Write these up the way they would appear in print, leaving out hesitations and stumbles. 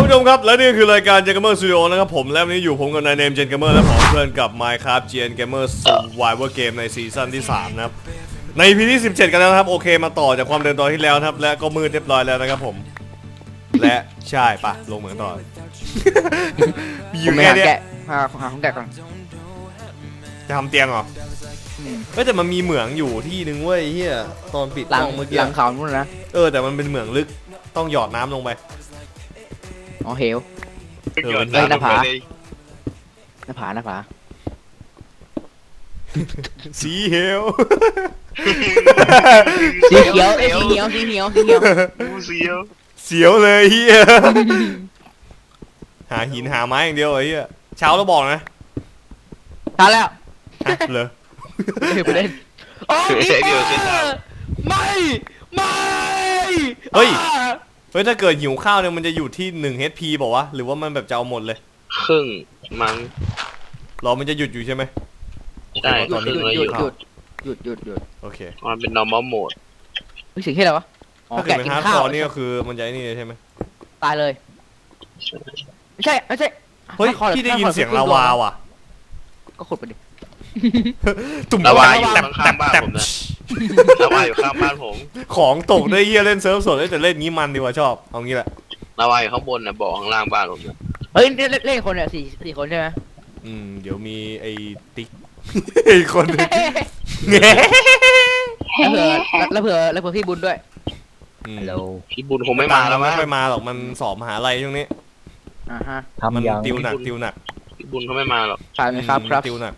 ผู้ชมครับและนี่คือรายการ Gen Gamer Studio นะครับผมและวันนี้อยู่ผมกับนายเนม Gen Gamer และผมเพื่อนกับ Minecraft Gen Gamer Survivor Game ในซีซั่นที่3นะครับใน EP ที่17กันแล้วนะครับโอเคมาต่อจากความเดิมตอนที่แล้วนะครับและก็มืดเรียบร้อยแล้วนะครับผมและใช่ปะลงเหมือนต่ออยู่แค่นี้หาของแกะก่อนจะทำเตียงเหรอแต่มันมีเหมืองอยู่ที่นึงเว้ยเฮียตอนปิดกล้องเมื่อกี้หลังเขานู่นนะแต่มันเป็นเหมืองลึกต้องหยอดน้ำลงไปอ๋อเหวหน้าผาสีเหวสีเขียวสีเขียวเสียวเลยเฮียหาหินหาไม้อย่างเดียวไอ้เฮียเช้าแล้วบอกนะทันแล้วเลยไปเล่นโอ้ยไม่เฮ้ยถ้าเกิดหิวข้าวเนี่ยมันจะอยู่ที่1 HP บอกว่าหรือว่ามันแบบจะเอาหมดเลยครึ่งมั้งรอมันจะหยุดอยู่ใช่ไหมใช่ตอนนี้หยุดโอเคมันเป็น normal mode เสียงที่อะไรวะถ้าเกิดเป็นฮาร์ดคอร์นี่ก็คือมันจะนี่ใช่ไหมตายเลยไม่ใช่เฮ้ยพี่ได้ยินเสียงลาวาว่ะก็ขุดไปดิตุ่มลาวาอยู่ข้างบ้านผมนะลาวาอยู่ข้างบ้านผมของตกได้เฮียเล่นเซิร์ฟสดแต่เล่นงี้มันดีกว่าชอบเอางี้แหละลาวาอยู่ข้างบนนะบ่อข้างล่างบ้านผมนะเฮ้ยเล่นคนเนี่ยสี่คนใช่ไหมเดี๋ยวมีไอ้ติ๊กอีกคนนึงแล้วเผื่อพี่บุญด้วยฮัลโหลพี่บุญคงไม่มาแล้วไม่มาหรอกมันสอบมหาลัยช่วงนี้มันติวหนักพี่บุญเขาไม่มาหรอกใช่ไหมครับติวหนัก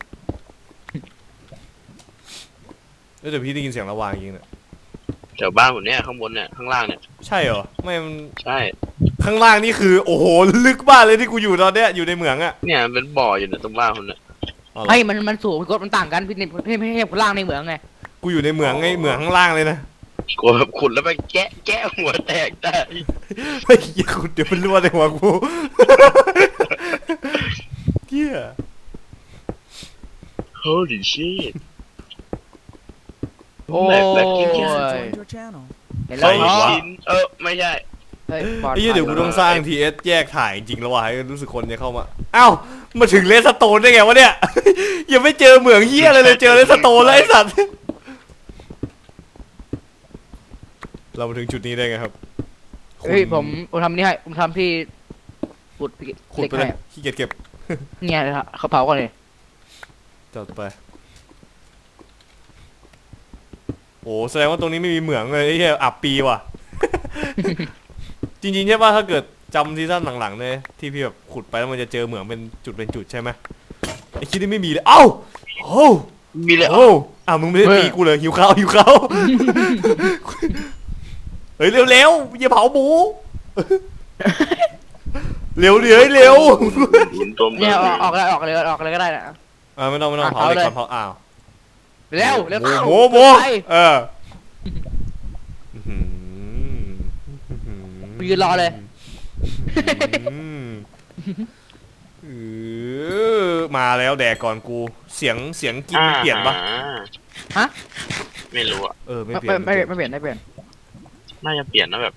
แต่พี่ได้ยินเสียงระวางจริงเนี่ยแถวบ้านผมเนี่ยข้างบนเนี่ยข้างล่างเนี่ยใช่เหรอไม่มันใช่ข้างล่างนี่คือโอ้โหลึกบ้านเลยที่กูอยู่ตอนเนี้ยอยู่ในเหมืองอะเนี่ยเป็นบ่ออยู่เนี่ยตรงบ้านคนเนี่ยไม่มันสูงมันต่างกันพี่คนล่างในเหมืองไงกูอยู่ในเหมืองไงเหมืองข้างล่างเลยนะกูแบบขุดแล้วไปแกะหัวแตกได้ไม่อย่าขุดเดี๋ยวมันรั่วในหัวกูเกี้ย Holy shit โอ้ยเห็นแล้วไม่ใช่เดี๋ยวกูต้องสร้าง TS แยกถ่ายจริงแล้วว่ะให้รู้สึกคนจะเข้ามาอ้าวมาถึงเลสโตนได้ไงวะเนี่ยยังไม่เจอเหมืองเหี้ยเลยเจอเลสโตนแล้วไอ้สัตว์เรามาถึงจุดนี้ได้ไงครับเฮ้ยผมทำนี่ให้ผมทำที่ขุดไปเลยขี้เกียจเก็บเนี่ยเขาเผาก่อนเลยจัดไปโอ้แสดงว่าตรงนี้ไม่มีเหมืองเลยไอ้เหี้ยอับปีว่ะจริงๆใช่ป่ะถ้าเกิดจำซีซั่นหลังๆเนี่ยที่พี่แบบขุดไปแล้วมันจะเจอเหมืองเป็นจุดใช่ไหมไอ้คิดนี่ไม่มีเลยเอ้าโอ้มีเลยมึงไม่ได้ตีกูเลยหิวข้าวเฮ้ยเร็วอย่าเผาหมูเร็วเนี่ยออกเลยก็ได้นะไม่ต้องเผาเลยก่อนเผาเร็วโมยืนรอเลยมาแล้วแดกก่อนกูเสียงกินเปลี่ยนปะฮะไม่รู้อะไม่เปลี่ยนน่าจะเปลี่ยนนะแบบ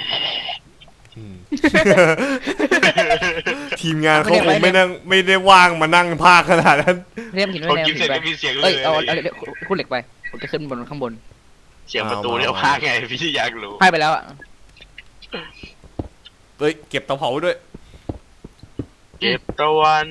ทีมงานเขาคงไม่ได้ว่างมานั่งพากขนาดนั้นเรียมหินไว้กินเสร็จไม่มีเสียงเลยเอาคุณเหล็กไปผมจะขึ้นบนข้างบนเสียงประตูเนี่ยพากไงพี่อยากรู้ให้ไปแล้วอะเก็บเตาเผาด้วยเก็บตะวัน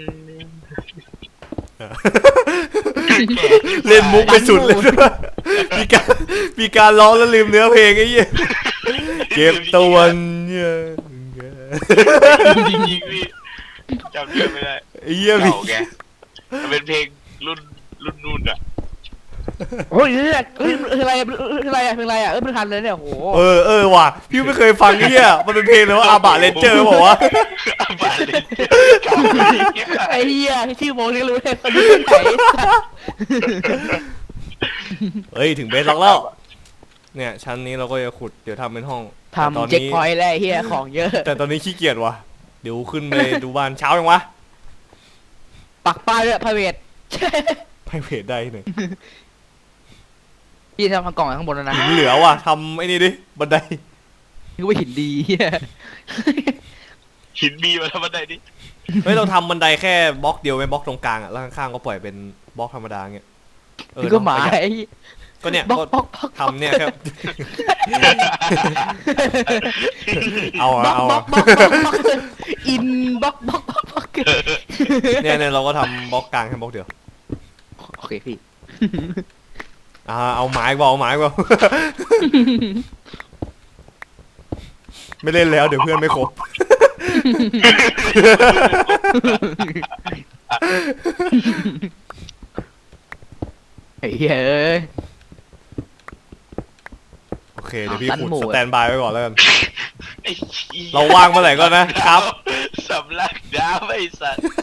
เล่นมุกไปสุดเลยมีการร้องแล้วลืมเนื้อเพลงไอ้เหี้ยเก็บตะวันเนี่ยจริงๆพี่จำเนื้อไม่ได้ไอ้เหี้ยเก่าแกมันเป็นเพลงรุ่นนู่นอะโอ้ยอะไรไม่ทันเลยเนี่ยโหว่ะพี่ไม่เคยฟังเหี้ยมันเป็นเพลงเลยว่าอาบะเลนเจอร์บอกว่าอาบะเลนเจอร์ไอ้เหี้ยชื่อโมนี่รู้เลยคนนี้ไหนถึงเบสล็อกแล้วเนี่ยชั้นนี้เราก็จะขุดเดี๋ยวทำเป็นห้องทำเจ็คพอยต์แล้วเหี้ยของเยอะแต่ตอนนี้ขี้เกียจว่ะเดี๋ยวขึ้นไปดูบ้านเช้ายังวะปักป้ายด้วยไพรเวทได้เลยพี่ทำกล่องข้างบนแล้วนะหินเหลือว่ะทำไอ้นี่ดิบันไดนึกว่าหินดีหินบีมาทำบันไดนี่เฮ้ยเราทำบันไดแค่บล็อกเดียวไว้บล็อกตรงกลางอ่ะแล้วข้างๆก็ปล่อยเป็นบล็อกธรรมดาเงี้ยนี่ก็หมาไอ้ก็เนี่ยบล็อกบล็อกทำเนี่ยครับ เอาบล็อกเอาบล็อกบล็อกบล็อกบล็อกอินบล็อกบล็อกบล็อกบล็อกเนี่ยเราก็ทำบล็อกกลางแค่บล็อกเดียวโอเคพี่เอาไม้กว่าเอาไม้กว่า ไม่เล่นแล้วเดี๋ยวเพื่อนไม่ครบไอ้เหี้ยเอ้ยโอเคเดี๋ยวพี่ตันขุดหมู่สแตนบายไว้ก่อนแล้วกันไอ้เหี้ยเราว่างเมื่อไหร่ก็นะครับสำลักดาวไอ้สัตว์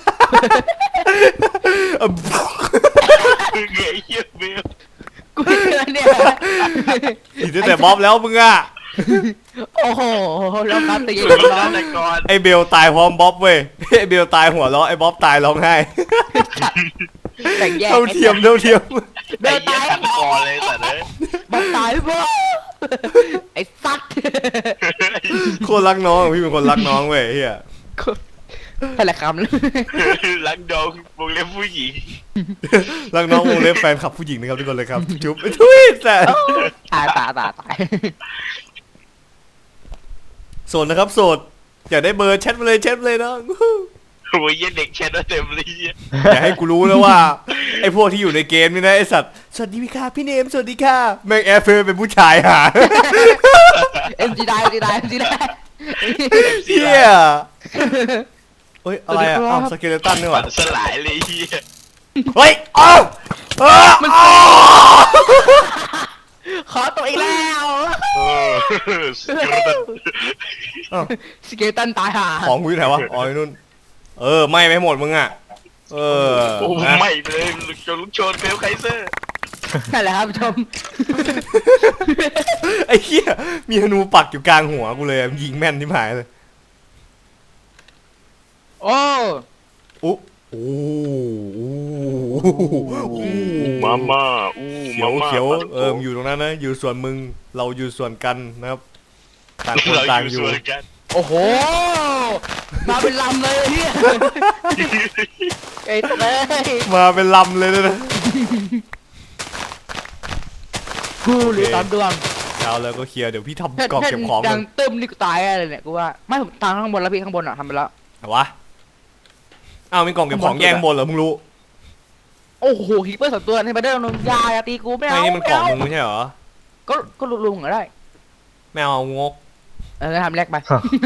ไงเหี้ยเบลกูไม่เชื่อเนี่ยอีกตั้งแต่บ๊อบแล้วมึงอ่ะโอ้โหแล้วครับตีสุดน้อฆาง ตกรไอเบลตายพร้อมบ๊อบเว้ย ไอเบลตายหัวเราะไอบ๊อบตายร้องไห้แต่งแยกเท่าเทียมเดิไอ้นเหี้ตาย ยฆาตกรเลยสัตว์เลยบอกตายบ่ไอ้สัตว์โคตรรักน้องพี่เป็นคนรักน้องเว้ยเฮียนั่นแหละคำเลยรักดองวงเล็บผู้หญิงรักน้องวงเล็บแฟนคลับผู้หญิงนะครับทุกคนเลยครับจุ๊บไอ้ทุยแต่ตายโสดนะครับโสดอยากได้เบอร์แชทมาเลยแชทมาเลยน้องโอ้ยเหี้ยเด็กแชทว่าเต็มเลยเหี้ยอย่าให้กูรู้นะว่าไอ้พวกที่อยู่ในเกมนี่นะไอ้สัตว์สวัสดีค่ะพี่เนมสวัสดีค่ะแม่งแอร์เฟย์เป็นผู้ชายหาเอ็มจีได้เอ็มจีได้เฮียเฮ้ยอะไรอ่ะอ้าวสเกเลตันนี่หฝัว่านสลายเลยเหี้ยเฮ้ยอ้าวอ้าวขอตัวอีกแล้ว สเกลตันตายห่าของกูอยู่ไหนวะอ๋อไอ้นู่นไม่ไปหมดมึงอ่ะโอ้นะไม่เลยจนลุกโชนเบลไคเซอร์นั่นแหละครับผู้ชมไอ้เหี้ยมีธนูปักอยู่กลางหัวกูเลยยิงแม่นที่หายเลยโอ้อู้อู้อู้มาม่าอู้เขียวเขียวมันอยู่ตรงนั้นนะอยู่ส่วนมึงเราอยู่ส่วนกันนะครับต่างคนเราต่างออยู่ ยู่ส่วนกันโอ้โหมาเป็นลำเลยเฮียไอ้เลยมาเป็นลำเลยนะกูหรือตามดวงเอาแล้วก็เคลียร์เดี๋ยวพี่ทำกล่องเก็บของดักังนตึมนี่กูตายอะไรเนี่ยกูว่าไม่ผมทางข้างบนแล้วพี่ข้างบนอ่ะทำไปแล้วเอาวะอ้าวมีกล่องเก็บของแย่งบนเหรอมึงรู้โอ้โหฮิปเปอร์สองตัวในบันเดอร์นมยาอย่าตีกูไม่ไอ้เอานี่มันกล่องมึงไม่ใช่เหรอก็ลุงก็ได้ไม่เอางกทำแรกไป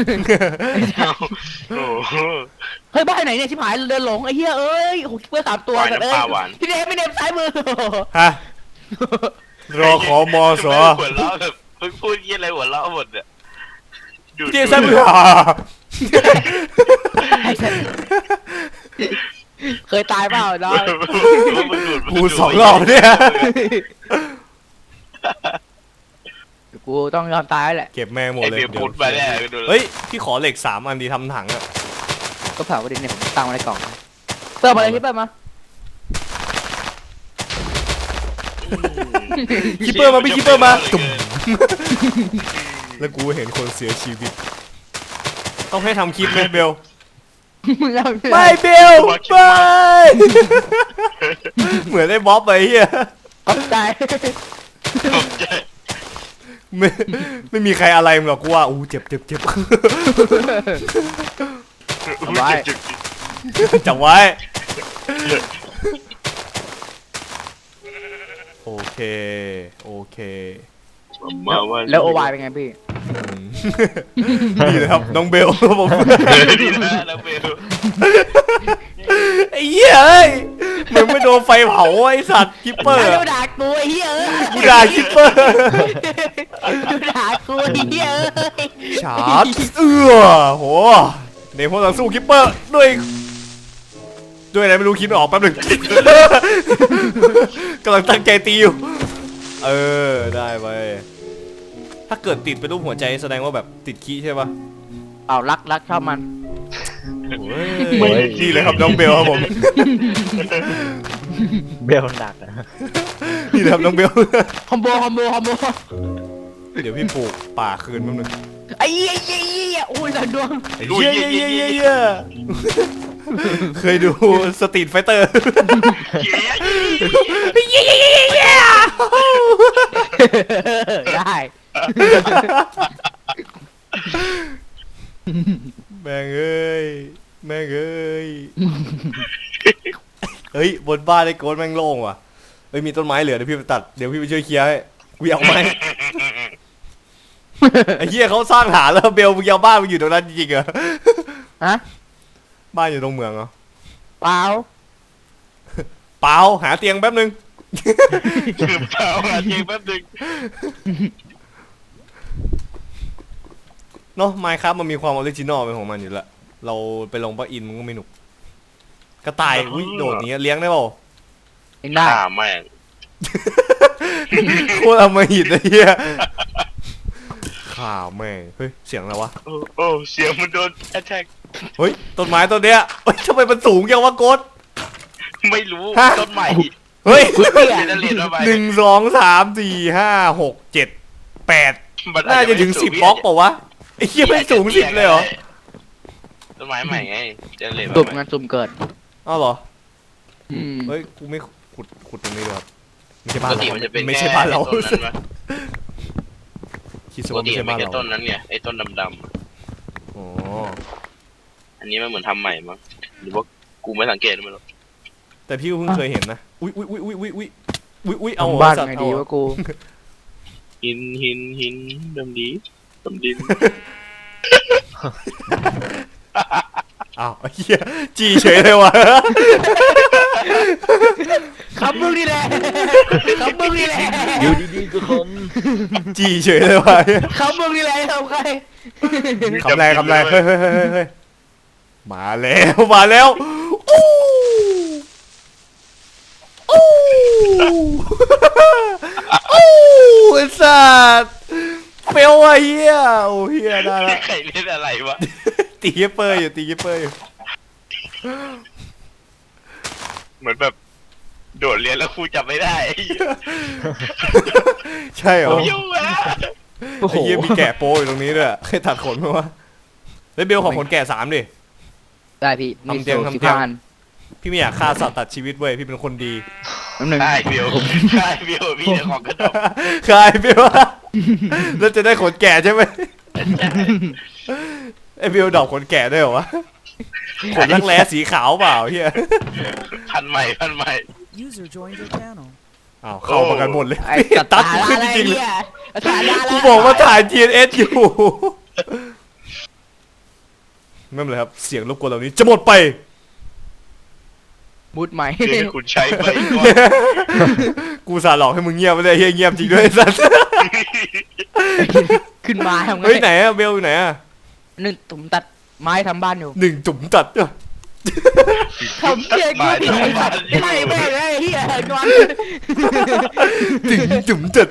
โอ้โหเฮ้ยบ้านไหนเนี่ยชิบหายเดินหลงไอ้เหี้ยเอ้ยโอ้โหฮิปเปอร์สามตัวปล่อยกันน้ำเอ้ปลาย หวานพี่เนมซ้ายมือฮะรอขอมอสอหัวเราะแบบเพิ่งพูดยี่อะไรหัวเราะหมดเนี่ยดูเดี๋ยวซ้ายมือเคยตายเปล่าน้องกูสองรอบเนี่ยกูต้องยอมตายแล้วแหละเก็บแม่งหมดไอเลยเบียร์พุทธมาแน่ดูเฮ้ยพี่ขอเหล็ก3 อันดีทำถังอะก็เผาประเด็นเนี่ยผมตั้งไว้ในกล่องเปิดมาเลยที่เปิดมาคิปเปอร์มาพี่คิปเปอร์มาตุ่มแล้วกูเห็นคนเสียชีวิต ต้องให้ทำคลิปไหมเบล ไม่เบลไม่เหมือนไอ้บ๊อบไปเฮียขอบใจตกใจไม่มีใครอะไรมึงหรอกกูว่าอู้เจ็บ จับไว้โอเคมาว่าแล้วโอวายเป็นไงพี่นี่นะครับน้องเบลครับผมดีนะแล้วเบลไอ้เหี้ยเอ้ยมึงไม่โดนไฟเผาไอ้สัตว์คิปเปอร์ด่ากูไอ้เหี้ยกูด่าคิปเปอร์ด่ากูไอ้เหี้ยชาร์จโหในพวกต่างสู้คิปเปอร์ด้วยอะไรไม่รู้คิดไม่ออกแป๊บหนึง กำลังตั้งใจตีอยู่ได้ไปถ้าเกิดติดเป็นรูปหัวใจแสดงว่าแบบติดขี้ใช่ปะเอารักชอบมันนี่เลยครับน้องเบลครับผมเบลหนักอะนี่เลยครับน้องเบลคอมโบเดี๋ยวพี่ปลูกป่าคืนแป๊บนึงไออ้เหี้ยโอ้ยสันดวงเย้เย้เย้เย้เคยดูสตรีทไฟเตอร์เย้ได้แม่งเอ้ยแม่งเอ้ยเฮ้ยบนบ้านไอ้โกนแม่งโล่งว่ะเฮ้ยมีต้นไม้เหลือเดี๋ยวพี่ไปตัดเดี๋ยวพี่ไปช่วยเคลียร์ให้กูอยากเอาไม้ไอ้เหี้ยเขาสร้างฐานแล้วเบลมึงยาวบ้านมึงอยู่ตรงนั้นจริงๆเหรอฮะบ้านอยู่ตรงเมืองเหรอเปล่าเปล่าหาเตียงแป๊บนึงคือเปล่าอ่ะเจงแป๊บนึงเนาะไมค์ครับมันมีความออริจินอลเป็นของมันอยู่แล้วเราไปลงปะอินมันก็ไม่หนุกกระต่ายอุ้ยโดดอย่างเงี้ยเลี้ยงได้เปล่าเองได้แม่งโคตรอมหิตไอ้เหี้ยข่าวแม่งเฮ้ยเสียงอะไรวะโอ้เสียงมันโดนแอทแทกเฮ้ยต้นไม้ต้นเนี้ยเฮ้ยทำไมมันสูงจังวะโกดไม่รู้ฮะต้นใหม่เฮ้ยเหี้ยเจเนเรตมาใหม่หนึ่งสองสามสี่ห้าหกเจ็ดแปดมันน่าจะถึง10 บล็อกเปล่าวะไอ้เหี้ยไม่สูง10เลยเหรอต้นไม้ใหม่ไงเจเนเรตสุ่มมาใหม่งานสุ่มเกิดอ้าวเหรออืมเฮ้ยกูไม่ขุดตรงนี้เลยครับไม่ใช่ปบ้านกติเรามันจะเป็นไม่ใช่บ้านเราต้นนั้นปะคิดซะปกว่าติไม่ใช่มันบ้านแค่เราต้นนั้นไงไอ้ต้นดำอ๋อๆอันนี้มันเหมือนทำใหม่มั้งหรือว่ากูไม่สังเกตมันหรอกแต่พี่ก็เพิ่งเคยเห็นนะอุ้ยเอาบ้านสัตว์ไงเอาดีวะกูหินดำดีดำดินอ้าวไอ้เหี้ยจีเฉยเลยวะคำมึงนี่แหละคำมึงนี่แหละอยู่ดีๆก็คมจีเฉยเลยวะคำมึงนี่แหละทำใครคำแรงเฮ้ยมาแล้วอู้อู้ไอ้สัตว์เฟลว่ะเฮียโอ้เฮียได้ละใครเล่นอะไรวะตีเกเปอร์อยู่เหมือนแบบโดดเรียนแล้วครูจำไม่ได้ใช่เหรอยุ่งอะโอ้โหไอ้เหี้ยมีแกะโปอยู่ตรงนี้ด้วยให้ตัดขนมั้ยวะเฮ้ยเบลขอขนแกะ3ดิได้พี่มีทำเตียงสูตรทำสิบเตียงห้าอันพี่ไม่อยากฆ่าสัตว์ตัดชีวิตเว้ยพี่เป็นคนดีน้ำหนึ่งใช่เบลใช่เบลพี่เจ้าของกระดกใครเบลแล้วจะได้ขนแกะใช่ไหมไอ้เบลดอกขนแกะได้เหรอวะขนรักแร้สีขาวเปล่าเฮียพันใหม่ User joined your channel. อ้าวเข้ามากันหมดเลยไอ้ตัดกูขึ้นจริงๆเลยสาระกูบอกว่าถ่าย GNS อยู่ไม่เป็นไรครับเสียงรบกวนเหล่านี้จะหมดไปมุดใหม่เดี๋ยวคุณใช้ไปก่อนกูสาหลอกให้มึงเงียบไม่ได้เฮียเงียบจริงด้วยไอ้สัสขึ้นมาทำไงเฮ้ยไหนอะเบลอยู่ไหนอะหนึ่งตุ่มตัดไม้ทำบ้านอยู่หนึ่งจุ่มตัดอะทำเพี้ยกูผิดไอ้สัตว์ไม่แม่งไอ้เหี้ยก่อนหนึ่งจุ่มตัด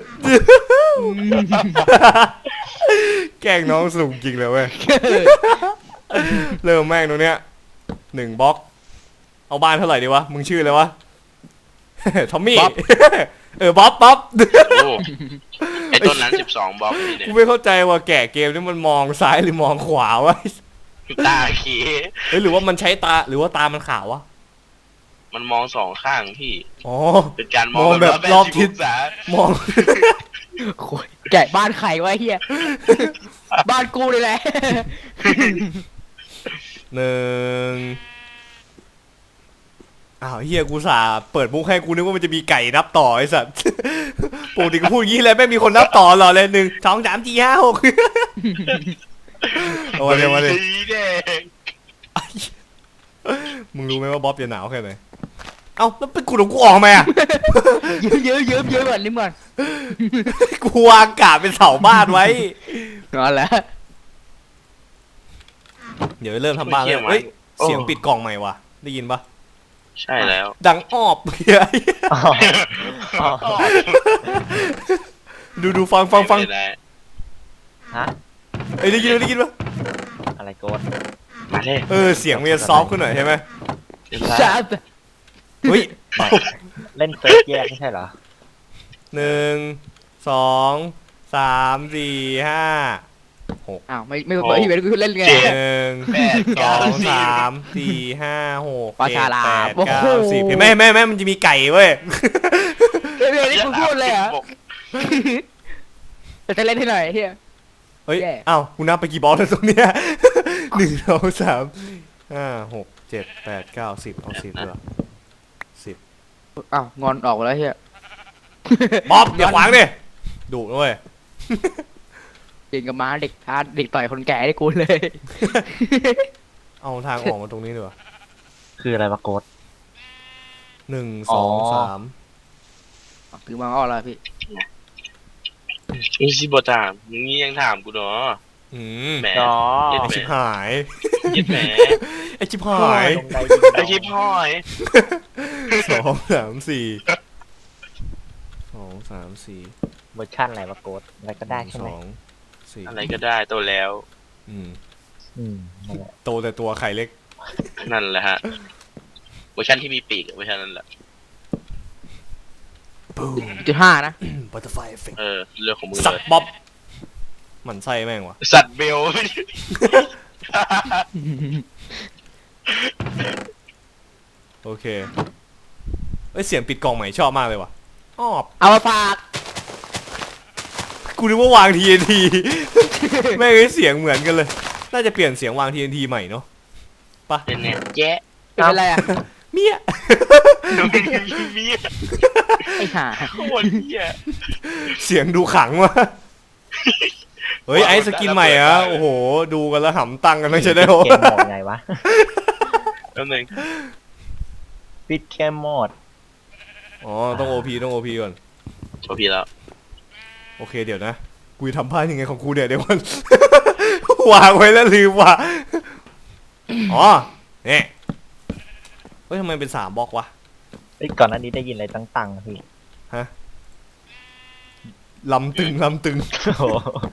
แกล้งน้องสูงจริงเลยเว้ยเริ่มแม่งตรงเนี้ย1 บล็อกเอาบ้านเท่าไหร่ดีวะมึงชื่ออะไรวะ ทอมมี่บ๊อบโอ้ไอ้ต้นนั้น12 บล็อกนี่เนี่กูยไม่เข้าใจว่าแกะเกมนี่มันมองซ้ายหรือมองขวาวะตาเขีเฮ้ยหรือว่ามันใช้ตาหรือว่าตามันขาววะมันมองสองข้างพี่อ๋อเป็นการมองมองแบบรอบทิศ 180องศามองโอ้ยแกะบ้านใครวะไอ้เหี้ยบ้านกูเลยแหละ 1อ้าวเฮียกูสาเปิดมุกให้กูนึกว่ามันจะมีไก่นับต่อไอ้สัตว์ ปกติกูพูดอย่างนี้เลยไม่มีคนนับต่อหรอเลย1 2 3 4 5 6เอามาเลยสีแดงมึงรู้ไหมว่าบ๊อบจะหนาวแค่ไหนเอ้าแล้วเป็นกูของกูออกมาอ่ะเยอะก่อนนิดก่อนกูวางกาบเป็นเสาบ้านไว้นั่นแหละเดี๋ยวเริ่มทำบ้านแล้วเฮ้ยเสียงปิดกล่องใหม่ว่ะได้ยินปะใช่แล้วดังอ้อบเฮ้ยอ๋ออ๋อดูฟังไม่ได้ฮะเอ้ยได้ยินปะอะไรโกดมาเลยเสียงมันจะซอฟต์ขึ้นหน่อยใช่ไหมจ้าเฮ้ยเล่นเซิร์ฟแยกไม่ใช่เหรอ 1 2 3 4 5 อ้าวไม่เปิดพี่เวทกูเล่นไงเจ็ด 1 แปด 2 3 4 5 6 ปลาฉลาม 7 โอ้ 8 โห 9 10เห็นไหมมันจะมีไก่เว้ยพี่เวทนี่กูพูดเลยเหรอแต่จะเล่นให้หน่อยเฮียเฮ้ยแย่อ้าวกูนับไปกี่บอลแล้วตรงเนี้ย 1 2 3 5 6 7 8 9 10เอา10เหรออ้าวงอนออกแล้วเฮียบ๊อบอย่าขวางดิดุด้วยเดินกับม้าเด็กท้าเด็กต่อยคนแก่ได้กูเลยเอาทางออกมาตรงนี้ดีกว่าคืออะไรวะโกด 1 อ๋อ 2 3 ถือมาอ้อแล้วพี่นี่ชิบถามมึงนี่ยังถามกูเนาะ แหมอ๋อเย็ดไอแหมชิบหายเย็ดแหมไอชิบหายลงใดยิงไอชิบห้อย 2 3 4 2 3 4 เวอร์ชันอะไรวะโกดอะไรก็ได้ใช่ไหม 2 4 อะไรก็ได้โตแล้วอืมนั่นแหละโตแต่ตัวไข่เล็กนั่นแหละฮะเวอร์ชันที่มีปีกอะเวอร์ชันนั้นแหละ 1.5 นะบัตเตอร์ไฟเอฟเฟกต์เรื่องของมึงสัเลตยว์บ๊อบหมันไส้แม่งวะสัตว์เบลโอเคเอ้ยเสียงปิดกล่องใหม่ชอบมากเลยว่ะอ้อเอามาฝากกูนึกว่าวาง TNT แม่งไอ้เสียงเหมือนกันเลย น่าจะเปลี่ยนเสียงวาง TNT ใหม่เนาะเป็นเนี่ยแจ๊ะเป็นไรอ่ะเมียเมียไอ้ห่าโคตรเหี้ยเสียงดูขังว่ะเฮ้ยไอ้สกินใหม่อะโอ้โห ดูกันแล้วหำตังกันต้องใช้ได้โหเกมโหมดไงวะแป๊บนึงปิดเกมโหมดอ๋อต้อง OP ก่อนโชว์พี่แล้วโอเคเดี๋ยวนะกูจะทำพลาดยังไงของกูเนี่ยเดี๋ยวก่อน วางไว้แล้วลืมว่ะอ๋อเนี่ยเฮ้ยทำไมเป็น3บล็อกวะเอ้ยก่อนหน้านี้ได้ยินอะไรตั้งๆอะพี่ลำตึงโอ้โห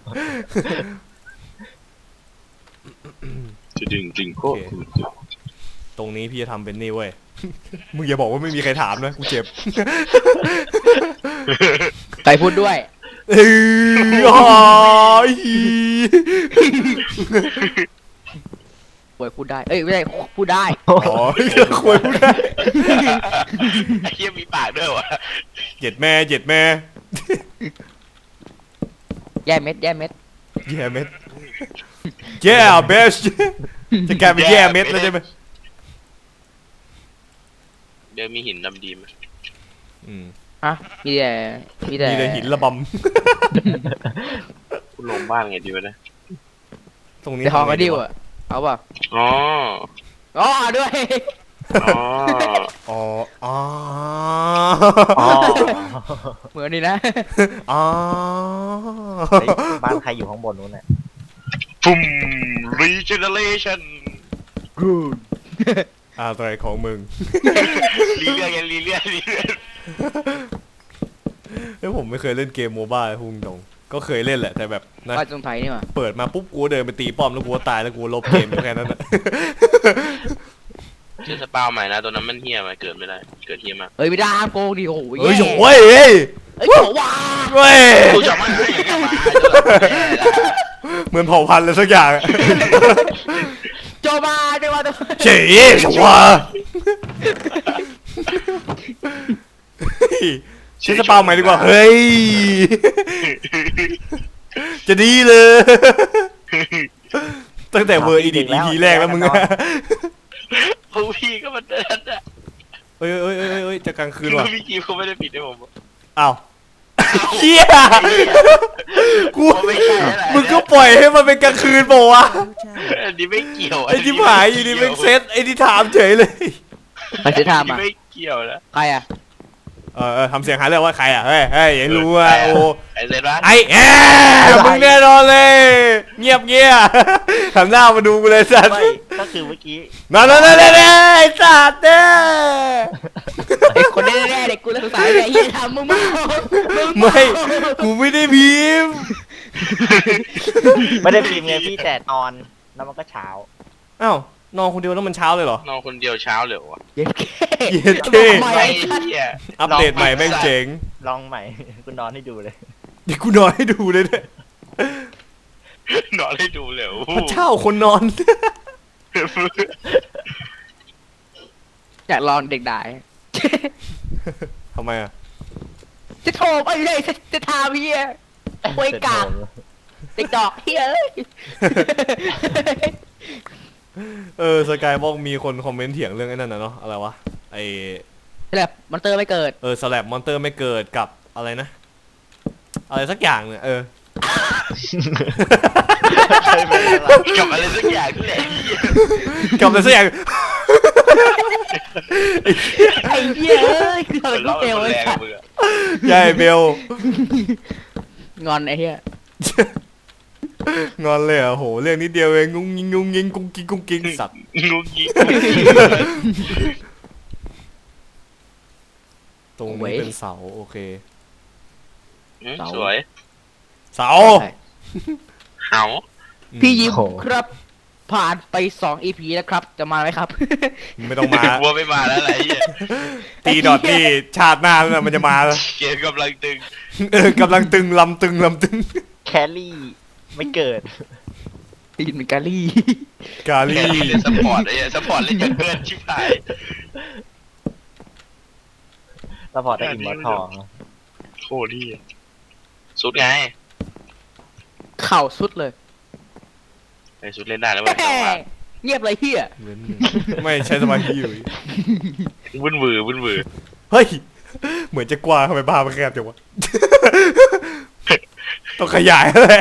จะดึงจริงโคตรตรงนี้พี่จะทำเป็นนี่เว้ย มึงอย่าบอกว่าไม่มีใครถามนะกูเจ็บใครพูดด้วยเอ้ยอ๋อป่วยพูดได้ เอ้ยไม่ใช่พูดได้อ๋อคุยพูดได้ไอ้เหี้ยมีปากด้วยวะเหย็ดแม่แย่เม็ดแย่เม็ดแย่เบสจะกลายเป็นแย่เม็ดแล้วใช่ไหมเดี๋ยวมีหินดำดีไหมอืมฮะ มีแต่มีแต่หินระบกูลงบ้านไงดีวะเนี่ยำตรงนี้เดี๋ยวทองก็ดิวอะเอาเปล่าอ๋ออ๋อด้วยอ๋ออ๋ออ๋ออ๋อเหมือนนี่นะอ๋อเฮ้ยบ้านใครอยู่ข้างบนนู้นน่ะฟุ่ม regeneration อะไรของมึงรีเลือดไงรีเลือดเฮ้ยผมไม่เคยเล่นเกมโมบ้าพุ่งตรงก็เคยเล่นแหละแต่แบบนะว่าตรงไทยนี่หว่าเปิดมาปุ๊บกูเดินไปตีป้อมแล้วกูก็ตายแล้วกูลบเกมอยู่แค่นั้นแหละเจอสปาวใหม่นะตัวนั้นมันเฮี้ยมาเกิดไม่ได้ เกิดเฮี้ยมากเอ้ยไม่ได้ห้ามโกงดิโอ้โหเฮ้ยแย่โว้ยเฮ้ยเอ้ยโหว่าเว้ยกูจะไม่ให้อย่างเงี้ยมาเหมือนเผ่าพันธุ์เลยสักอย่างอะโจมาโจมาเจ๋ยชัวใช้สปาใหม่ดีกว่า เฮ้ย จะดีเลย ตั้งแต่เวอร์อีดิท EP แรกแล้วมึงอะพวกพี่ก็มาเดินอะเอ้ยจะกลางคืนคือว่ะพี่กีเขาไม่ได้ปิดให้ผมอ้าวเฮียกูไม่ใช่อะไรมึงก็ปล่อยให้มันเป็นกลางคืนเปล่าวะ Your channel. อันนี้ไม่เกี่ยวไอ้ที่หายอยู่ดีเป็นเซตไอ้ที่ถามเฉยเลยใครจะอันทำนี้อ่ะไม่เกี่ยวนะใครอ่ะทำเสียงหาเรื่องว่าใครอ่ะเฮ้ยอย่ารู้อ่ะโอ้ไอ้เซนวะไอ้มึงแน่นอนเลย เงียบทำหน้ามาดูกูเลยสัตว์ไม่ก็คือเมื่อกี้นั่นไอ้สัตว์เนี่ยไอ้คนแน่ๆเด็กกูเลยสงสัยไอ้เหี้ยทำมึงมาไม่กูไม่ได้พิมพ์ไม่ได้พิมพ์ไงพี่แต่นอนแล้วมันก็เช้าอ้าวนอนคนเดียวแล้วมันเช้าเลยเหรอนอนคนเดียวเช้าเลยวะเย็ดแค่เย็นเท่ทำไมไอ้ไอ้ชัดเหี้ยอัปเดตใหม่แม่งเจ๋งลองใหม่ คุณนอนให้ดูเลยเดี๋ยวกูนอนให้ดูเลยเนี่ยนอนให้ดูเลยโอ้โหพระเจ้าคนนอนอยากลองเด็กด่าทำไมอ่ะจะโทรไปเลยจะทาเฮียโวยกากเด็กดอกเฮียเอ้ยสกายบอกมีคนคอมเมนต์เถียงเรื่องไอ้นั่นนะเนาะอะไรวะไอแบบมอนเตอร์ไม่เกิดสแลบมอนเตอร์ไม่เกิดกับอะไรนะ อะไรสักอย่างเนี่ยกับอะไรสักอย่างนี่แหละกับอะไรสักอย่างไอ้เหี้ยเอ้ยคืออะไรก็เฟลไอ้สัตว์ยายเบลงอนไอ้เหี้ยงอนเลยเหรอ่ะโหเรื่องนิดเดียวเองงุ้งยิงงุ้งยิงกุ้งกิ้งกุ้งกิ้งสัตว์งุ้งยิงตรงนี้เป็นเสาโอเคสวยเสาเห่าพี่ยิ้มครับ ผ่านไป2 EP แล้วครับ จะมาไหมครับไม่ต้องมาวัวไม่มาแล้วอะไรเงี้ยตีดอทนี่ชาติหน้าแล้วมันจะมาแล้วเกมกำลังตึงกำลังตึงลำตึงลำตึงแครี่ไม่เกิดตีนเป็นกาลี่กาแค่ลี่เล่นซัพพอร์ตไอ้เงี้ยซัพพอร์ตเล่นอย่างเกินชิบหายแล้วพอได้อิมมอร์ทองโคตรดีสุดไงเข่าสุดเลยไอ้สุดเล่นได้แล้วมันเงียบเลยเฮียไม่ใช้สมาธิอยู่วุ่นวือวุ่นวือเฮ้ยเหมือนจะกว้างทำไมบ้ามันแคบจังวะ ต้องขยายแหละ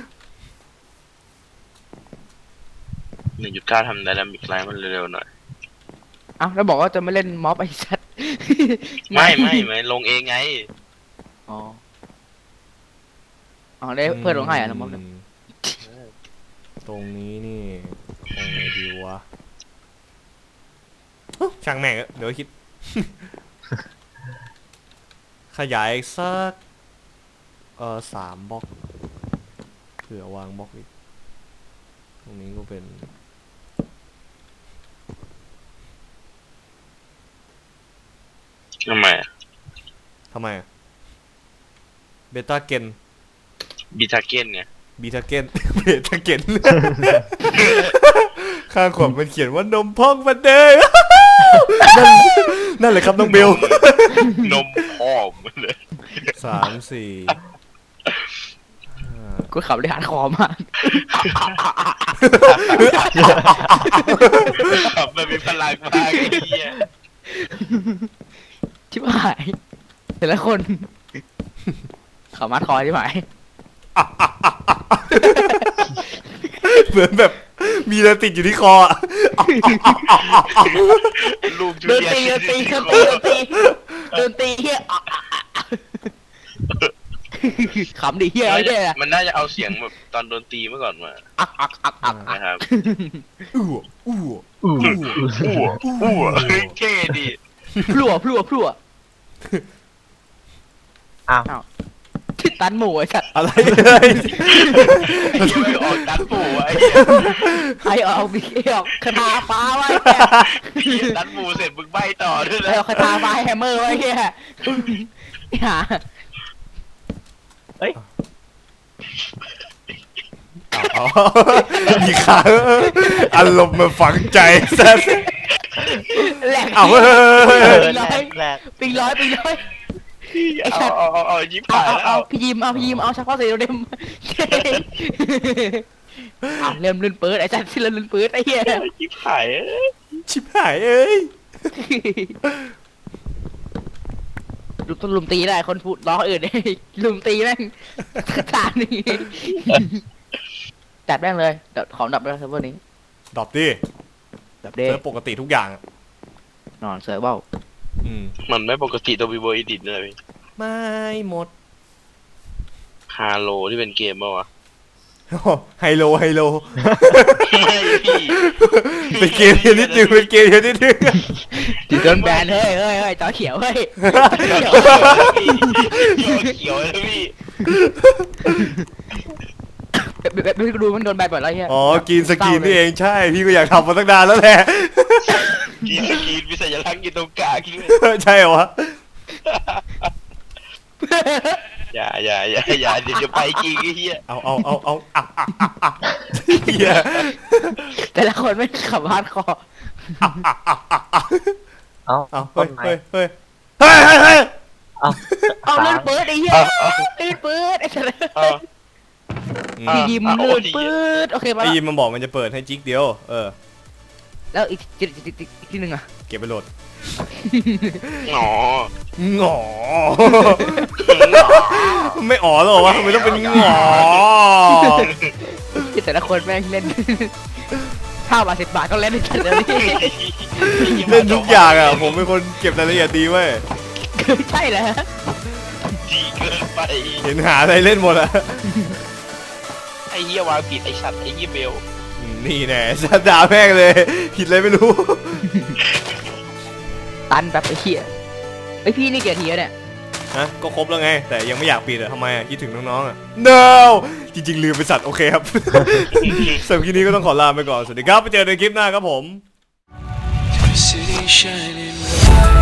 1.9ทำไดนามิกไลน์มันเร็วๆหน่อยเอ้าแล้วบอกว่าจะไม่เล่นม็อบไอ้สัตว์ไม่ลงเองไงอ๋ออ๋อได้เพื่อนลงให้อ่ะนะม็อบเนี่ยตรงนี้นี่ตรงไหนดีวะช่างแม่งเดี๋ยวคิด ขยายสัก3 บล็อกเผื่อวางบล็อกอีกตรงนี้ก็เป็นทำไมทำไมเบต้าเกนบีทาเก้นไงบีทาเกน เบต้าเกน ข้างขวดมันเขียนว่านมพองมาเด้อ นั่นเลยครับน้องเบลนมพ่อมันเลย 3 4 กูขับได้หาคอมากมันมีพลังมากไอ้เหี้ยชิบหายแต่ละคนเขามัดคอชิบหายเหมือนแบบมีอะไรติดอยู่ที่คออะลูกจูเดินเลียตีเฮียขำดิเฮียไอ้เนี่ยมันน่าจะเอาเสียงแบบตอนโดนตีเมื่อก่อนมาอักนะครับอู้อู้อ้วเท่ดีพลัวอ้าวทิดตันหมูไอ้สัตว์อะไรเลยยังไม่ออกดันปู่ไอ้ไอ้เอาบีออกคาถาฟ้าไว้เหี้ยดันปู่เสร็จมึงใบต่อด้วยไอ้นะเอาคาถาฟ้าแฮมเมอร์ไว้เฮียหามีขาอารมณ์มาฝังใจซะแหลกเอาเฮ้ยแรกปิงร้อยไอ้สัตว์เอายิ้มเอาพี่ยิมเอาเฉพาะสีเดมเริ่มลื่นปื๊ดไอ้สัตว์ที่เริ่มลื่นปื๊ดไอ้เหี้ยยิ้มหายชิบหายเอ้ยลุมตีได้คนพูดล้ออื่นลุมตีแม่งขนาดนี้จัดแม่งเลยเดี๋ยวขอดับด้วยเซิร์ฟเวอร์นี้ดรอปดิดับเด้เจอปกติทุกอย่างนอนเซิร์ฟเวอร์มันไม่ปกติตัวบีโบอีดิทเลยไม่หมดฮาโลที่เป็นเกมป่าวะไฮโลไม่พี่เป็นเกมเดียวนิดนึงเป็นเกมเดียวนิดนึงโดนแบนเฮ้ยจอเขียวเฮ้ยเขียวเลยพี่แบบไม่ดูมันโดนแบนบ่อยแล้วเฮียอ๋อกินสกินนี่เองใช่พี่ก็อยากทำมาตั้งนานแล้วแหละกินสกีนมีสัญลักษณ์อยู่ตรงกลางด้วยใช่เหรอวะอย่าเดี๋ยวจะไปจริงไอ้เหี้ยเอาเหี้ยแต่ละคนไม่ขับฮาร์ดคอร์เอ้าเอาต้นไม้เฮ้ยเอ้าเอาเลื่อนปืดไอ้เหี้ยเลื่อนปืดไอ้เฉลยเออพี่ยิมเลื่อนปืดโอเคมาไอ้แล้วยิมมันบอกมันจะเปิดให้จิ๊กเดียวแล้วอีกที่หนึ่งอะเก็บไปโหลดหนอหงอไม่อ๋อหรอวะทำไมต้องเป็นหงอแต่ละคนแม่งเล่น5 บาท 10 บาทก็เล่นได้กันเลยพี่เล่นทุกอย่างอ่ะผมเป็นคนเก็บรายละเอียดดีเว้ยใช่เหรอดีเกินไปเห็นหาอะไรเล่นหมดอะไอ้เหี้ยวางผิดไอ้สัตว์ไอ้เหี้ยเบลนี่แน่สัตว์ด่าแม่งเลยผิดอะไรไม่รู้ตันแบบไอ้เหี้ยไอพี่นี่เกียร์ทีแล้วเนี่ยฮะก็ครบแล้วไงแต่ยังไม่อยากปิดอะทำไมอะคิดถึงน้องๆอะ no จริงๆลืมไปสัตว์โอเคครับ สำหรับคลิปนี้ก็ต้องขอลาไปก่อนสวัสดีครับไปเจอกันในคลิปหน้าครับผม City shining bright.